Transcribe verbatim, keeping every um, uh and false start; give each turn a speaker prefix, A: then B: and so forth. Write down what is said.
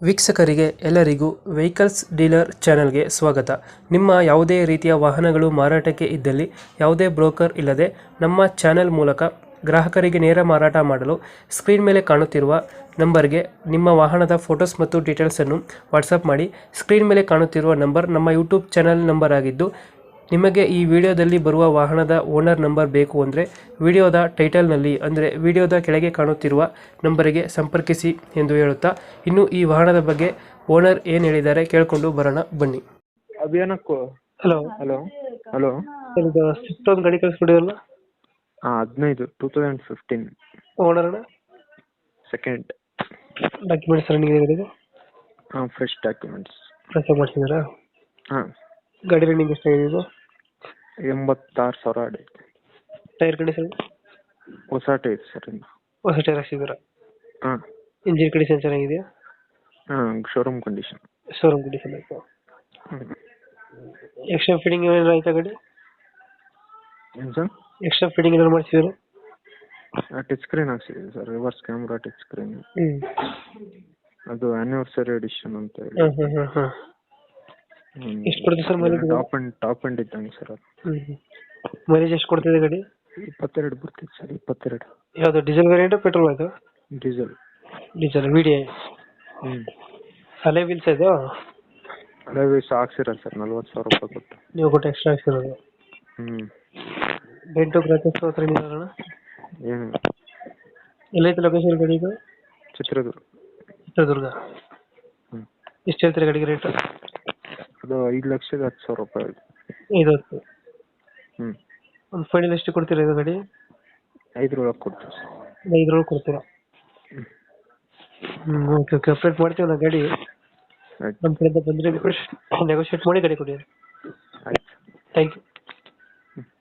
A: ವೀಕ್ಷಕರಿಗೆ ಎಲ್ಲರಿಗೂ vehicles dealer ಚಾನೆಲ್ಗೆ ಸ್ವಾಗತ. ನಿಮ್ಮ ಯಾವುದೇ ರೀತಿಯ ವಾಹನಗಳು ಮಾರಾಟಕ್ಕೆ ಇದ್ದಲ್ಲಿ ಯಾವುದೇ ಬ್ರೋಕರ್ ಇಲ್ಲದೆ ನಮ್ಮ ಚಾನೆಲ್ ಮೂಲಕ ಗ್ರಾಹಕರಿಗೆ ನೇರ ಮಾರಾಟ ಮಾಡಲು ಸ್ಕ್ರೀನ್ ಮೇಲೆ ಕಾಣುತ್ತಿರುವ ನಂಬರ್ಗೆ ನಿಮ್ಮ ವಾಹನದ ಫೋಟೋಸ್ ಮತ್ತು ಡೀಟೇಲ್ಸನ್ನು ವಾಟ್ಸಪ್ ಮಾಡಿ. ಸ್ಕ್ರೀನ್ ಮೇಲೆ ಕಾಣುತ್ತಿರುವ ನಂಬರ್ ನಮ್ಮ ಯೂಟ್ಯೂಬ್ ಚಾನೆಲ್ ನಂಬರ್ ಆಗಿದ್ದು, ನಿಮಗೆ ಈ ವಿಡಿಯೋದಲ್ಲಿ ಬರುವ ವಾಹನದ ಓನರ್ ನಂಬರ್ ಬೇಕು ಅಂದರೆ ವಿಡಿಯೋದ ಟೈಟಲ್ನಲ್ಲಿ ಅಂದರೆ ವಿಡಿಯೋದ ಕೆಳಗೆ ಕಾಣುತ್ತಿರುವ ನಂಬರಿಗೆ ಸಂಪರ್ಕಿಸಿ ಎಂದು ಹೇಳುತ್ತಾ, ಇನ್ನು ಈ ವಾಹನದ ಬಗ್ಗೆ ಓನರ್ ಏನು ಹೇಳಿದ್ದಾರೆ ಕೇಳಿಕೊಂಡು ಬರೋಣ ಬನ್ನಿ.
B: ಅಭಿಯಾನಕ್ಕೂ
A: ಹಲೋ
B: ಹಲೋ ಹಲೋ
A: ಇದು ಸ್ವಿಫ್ಟ್ ಒಂದು ಗಾಡಿ ಕಳಿಸ್ಬಿಡಿದಲ್ಲ,
B: ಹಾಂ ಹದಿನೈದು ಟೂ ತೌಸಂಡ್ ಫಿಫ್ಟೀನ್
A: ಓನರ್ ಅಣ್ಣ
B: ಸೆಕೆಂಡ್.
A: ಡಾಕ್ಯುಮೆಂಟ್ಸ್ ರನ್ನಿಂಗ್ ಇದೆ ಗಾಡಿದು?
B: ಹಾಂ ಫ್ರೆಶ್ ಡಾಕ್ಯುಮೆಂಟ್ಸ್.
A: ಫ್ರೆಶ್ ಮಾಡಿಸಿದಾರಾ?
B: ಹಾಂ
A: ಗಾಡಿ ರನ್ನಿಂಗ್ ಎಷ್ಟಾಗಿದೆ ಇದು?
B: ಎಂಬತ್ತಾರು ಸಾವಿರ ಆಡೈತೆ.
A: ಟೈರ್ ಕಂಡೀಷನ್
B: ಹೊಸ ಟೈರ್ ಸರ್ ಇನ್ನು.
A: ಹೊಸ ಟೈರ್ ಹಾಕ್ಸಿದ್ದೀರಾ?
B: ಹಾಂ
A: ಇಂಜಿನ್ ಕಂಡೀಷನ್ ಚೆನ್ನಾಗಿದೆಯಾ?
B: ಹಾಂ ಶೋರೂಮ್ ಕಂಡೀಷನ್.
A: ಶೋರೂಮ್ ಕಂಡೀಷನ್ ಆಯಿತು.
B: ಹ್ಞೂ
A: ಎಕ್ಸ್ಟ್ರಾ ಫಿಟ್ಟಿಂಗ್ ಏನಾದ್ರು ಆಯ್ತಾ ಗಾಡಿ?
B: ಏನು ಸರ್?
A: ಎಕ್ಸ್ಟ್ರಾ ಫಿಟ್ಟಿಂಗ್ ಏನಾದ್ರು ಮಾಡಿಸಿದ್ರು?
B: ಟಚ್ ಸ್ಕ್ರೀನ್ ಹಾಕ್ಸಿದ್ದೀವಿ sir, reverse camera touch screen.
A: ಹ್ಞೂ
B: ಅದು ಆ್ಯನಿವರ್ಸರಿ ಎಡಿಷನ್ ಅಂತ ಹೇಳಿ.
A: ಹಾಂ ಹಾಂ ಹಾಂ ಹಾಂ ಎಷ್ಟು ಕೊಡ್ತೀವಿ sir mileage?
B: Top end top end ಇದ್ದಂಗೆ ಸರ್ ಅದು.
A: ಹ್ಞೂ ಮೈಲೇಜ್ ಎಷ್ಟು ಕೊಡ್ತಿದೆ ಗಾಡಿ?
B: ಇಪ್ಪತ್ತೆರಡು ಬರ್ತಿತ್ತು ಸರ್, ಇಪ್ಪತ್ತೆರಡು.
A: ಯಾವುದು ಡೀಸೆಲ್ ವೇರಿಯಂಟು ಪೆಟ್ರೋಲ್ ಆಯಿತು?
B: Diesel.
A: Diesel V D I.
B: ಹ್ಞೂ
A: ಅಲೆ ವೀಲ್ಸ್ ಇದು?
B: ಅದೇ ವೀಸ್ ಹಾಕ್ಸಿರಲ್ಲ ಸರ್, ನಲ್ವತ್ತು ಸಾವಿರ ರೂಪಾಯಿ ಕೊಟ್ಟು.
A: ನೀವು ಕೊಟ್ಟು ಎಕ್ಸ್ಟ್ರಾ ಹಾಕ್ಸಿರೋದು?
B: ಹ್ಞೂ
A: ಡೆಂಟು ಕ್ರಾಚಸ್ ಹತ್ರ ಏನಿಲ್ಲ?
B: ಏನು
A: ಎಲ್ಲೈತೆ ಲೊಕೇಶನ್ ಗಾಡಿ ಇದು?
B: ಚಿತ್ರದುರ್ಗ.
A: ಚಿತ್ರದುರ್ಗ.
B: ಹ್ಞೂ
A: ಎಷ್ಟು ಹೇಳ್ತೀರಾ ಗಾಡಿಗೆ ರೇಟು?
B: ಅದು ಐದು ಲಕ್ಷದ ಹತ್ತು ಸಾವಿರ ರೂಪಾಯಿ ಆಗಿದೆ.
A: ಐದು ಹತ್ತು.
B: ಹ್ಞೂ
A: ಒಂದು ಫೈನಲ್ ಎಷ್ಟು ಕೊಡ್ತೀರಾ ಇದು ಗಾಡಿ?
B: ಐದರೊಳಗೆ ಕೊಡ್ತೀವಿ ಸರ್.
A: ಐದರೊಳಗೆ ಕೊಡ್ತೀರಾ? ಹ್ಞೂ ಓಕೆ ಓಕೆ ಅಪ್ಡೇಟ್ ಮಾಡ್ತೀವಿ ನಾವು ಗಾಡಿ.
B: ಆಯ್ತು
A: ನಮ್ಮ ಕಡೆಯಿಂದ ಬಂದರೆ ನೆಗೋಷಿಯೇಟ್ ಮಾಡಿ ಗಾಡಿ ಕೊಡಿ.
B: ಆಯ್ತು.
A: Thank you.